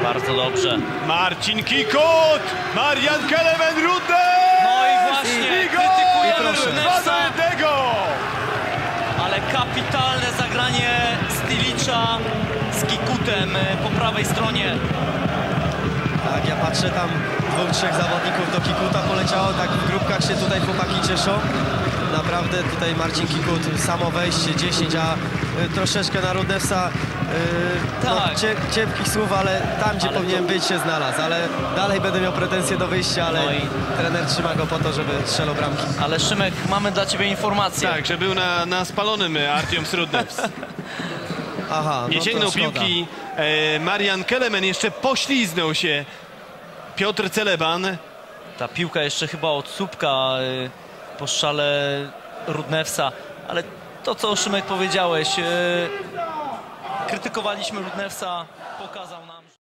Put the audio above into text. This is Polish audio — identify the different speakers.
Speaker 1: Bardzo dobrze.
Speaker 2: Marcin Kikut! Marian Kelemen Rudnew!
Speaker 1: No i właśnie, krytykujemy Rudnewsa,
Speaker 2: 2-1.
Speaker 1: ale kapitalne zagranie Stylicza z Kikutem po prawej stronie.
Speaker 3: Tak, ja patrzę tam, 2-3 zawodników do Kikuta poleciało, tak w grupkach się tutaj chłopaki cieszą. Naprawdę tutaj Marcin Kikut, samo wejście 10, a troszeczkę na Rudnewsa
Speaker 1: Tak.
Speaker 3: no, ciepkich słów, ale tam, gdzie
Speaker 1: Ale
Speaker 3: powinien być, się znalazł. Ale dalej będę miał pretensje do wyjścia, ale
Speaker 1: No i-
Speaker 3: trener trzyma go po to, żeby strzelał bramki.
Speaker 1: Ale Szymek, mamy dla ciebie informację.
Speaker 2: Tak, że był na spalonym Artiom Rudnews.
Speaker 3: Aha,
Speaker 2: Nie
Speaker 3: no
Speaker 2: sięgnął
Speaker 3: to szkoda.
Speaker 2: piłki. Marian Kelemen jeszcze pośliznął się. Piotr Celeban.
Speaker 1: Ta piłka jeszcze chyba od słupka po strzale Rudnewsa, ale to, co Szymek powiedziałeś, krytykowaliśmy Rudnewsa, pokazał nam.